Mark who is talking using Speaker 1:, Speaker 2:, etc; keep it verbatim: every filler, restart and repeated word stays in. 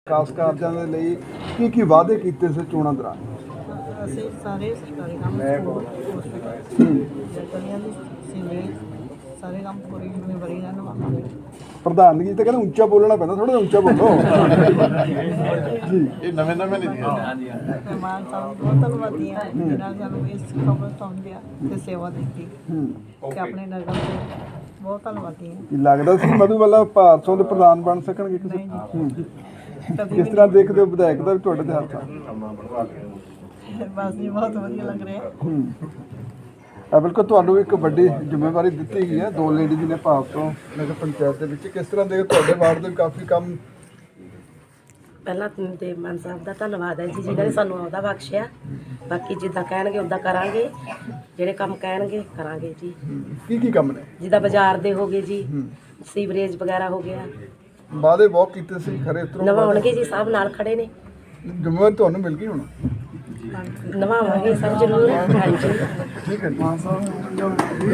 Speaker 1: ਵਿਕਾਸ ਕਾਰਜਾਂ ਦੇ ਲਈ ਕੀ ਕੀ ਵਾਅਦੇ ਕੀਤੇ ਸੀ ਚੋਣਾਂ ਦੌਰਾਨ?
Speaker 2: ਅਸੀਂ ਸਾਰੇ ਸਰਕਾਰੀ ਕੰਮ ਸਕੂਲ ਹਸਪੀਟਲ ਗਲੀਆਂ ਦੀ ਸੀਵਰੇਜ ਸਾਰੇ ਕੰਮ ਪੂਰੀ ਜ਼ਿੰਮੇਵਾਰੀ ਨਾਲ ਨਿਭਾਵਾਂਗੇ।
Speaker 1: ਪ੍ਰਧਾਨਗੀ ਤਾਂ ਕਹਿੰਦੇ ਉੱਚਾ ਬੋਲਣਾ ਪੈਂਦਾ, ਥੋੜਾ ਉੱਚਾ ਬੋਲੋ ਜੀ।
Speaker 3: ਇਹ ਨਵੇਂ ਨਵੇਂ ਨਹੀਂ ਹਾਂਜੀ
Speaker 2: ਮਹਿਮਾਨ ਸਾਹਿਬ ਬਹੁਤ ਧੰਨਵਾਦੀ ਹਾਂ ਜਿਨ੍ਹਾਂ ਨੇ ਸਾਨੂੰ ਇਸ ਖਬਰ ਸਮਝਿਆ ਤੇ ਸੇਵਾ ਦਿੱਤੀ ਤੇ ਆਪਣੇ ਨਗਰ ਦੇ ਬਹੁਤ ਧੰਨਵਾਦੀ ਹਾਂ।
Speaker 1: ਕੀ ਲੱਗਦਾ ਸੀ ਮਧੂਬਾਲਾ ਭਾਰਤੋਂ ਦੇ ਪ੍ਰਧਾਨ ਬਣ ਸਕਣਗੇ ਕਿਸੇ?
Speaker 2: ਨਹੀਂ
Speaker 1: ਹੂੰ।
Speaker 2: ਜੀ ਕਦੀ
Speaker 1: ਕਿਸ
Speaker 2: ਵੀ
Speaker 1: ਤਰ੍ਹਾਂ ਦੇਖਦੇ ਹੋ ਵਿਧਾਇਕ ਦਾ ਵੀ ਤੁਹਾਡੇ ਦੇ ਹੱਥ ਆ?
Speaker 2: ਨਹੀਂ। ਬਸ ਜੀ ਬਹੁਤ ਵਧੀਆ ਲੱਗ ਰਿਹਾ।
Speaker 1: ਹੂੰ। ਆ ਬਿਲਕੁਲ ਤੁਹਾਨੂੰ ਇੱਕ ਵੱਡੀ ਜ਼ਿੰਮੇਵਾਰੀ ਦਿੱਤੀ ਗਈ ਹੈ, ਦੋ ਲੇਡੀਜ਼ ਨੇ ਭਾਰਤੋਂ ਨਗਰ ਪੰਚਾਇਤ ਦੇ ਵਿੱਚ। ਕਿਸ ਤਰ੍ਹਾਂ ਦੇ ਤੁਹਾਡੇ ਵਾਰਡ ਦੇ ਕਾਫੀ ਕੰਮ?
Speaker 4: ਪਹਿਲਾਂ ਤੇ ਮਾਨ ਸਾਹਿਬ ਦਾ ਧੰਨਵਾਦ ਹੈ ਜੀ ਜਿਹਨਾਂ ਨੇ ਸਾਨੂੰ ਅਹੁਦਾ ਬਖਸ਼ਿਆ। ਬਾਕੀ ਜਿੱਦਾਂ ਕਹਿਣਗੇ ਉੱਦਾਂ ਕਰਾਂਗੇ, ਜਿਹੜੇ ਕੰਮ ਕਹਿਣਗੇ ਕਰਾਂਗੇ ਜੀ।
Speaker 1: ਕੀ ਕੀ ਕੰਮ ਨੇ?
Speaker 4: ਜਿੱਦਾਂ ਬਾਜ਼ਾਰ ਦੇ ਹੋ ਗਏ ਜੀ, ਸੀਵਰੇਜ ਵਗੈਰਾ ਹੋ ਗਿਆ,
Speaker 1: ਵਾਅਦੇ ਬਹੁਤ ਕੀਤੇ ਸੀ, ਖਰੇ ਉਤਰੋ?
Speaker 4: ਨਵਾਉਣਗੇ ਜੀ, ਸਭ ਨਾਲ ਖੜੇ ਨੇ,
Speaker 1: ਜ਼ਿੰਮੇਵਾਰੀ ਤੁਹਾਨੂੰ ਮਿਲ ਗਈ ਹੁਣ?
Speaker 4: ਨਵਾਵਾਂਗੇ ਸਭ ਜ਼ਰੂਰ। ਹਾਂਜੀ
Speaker 1: ਠੀਕ ਹੈ ਜੀ।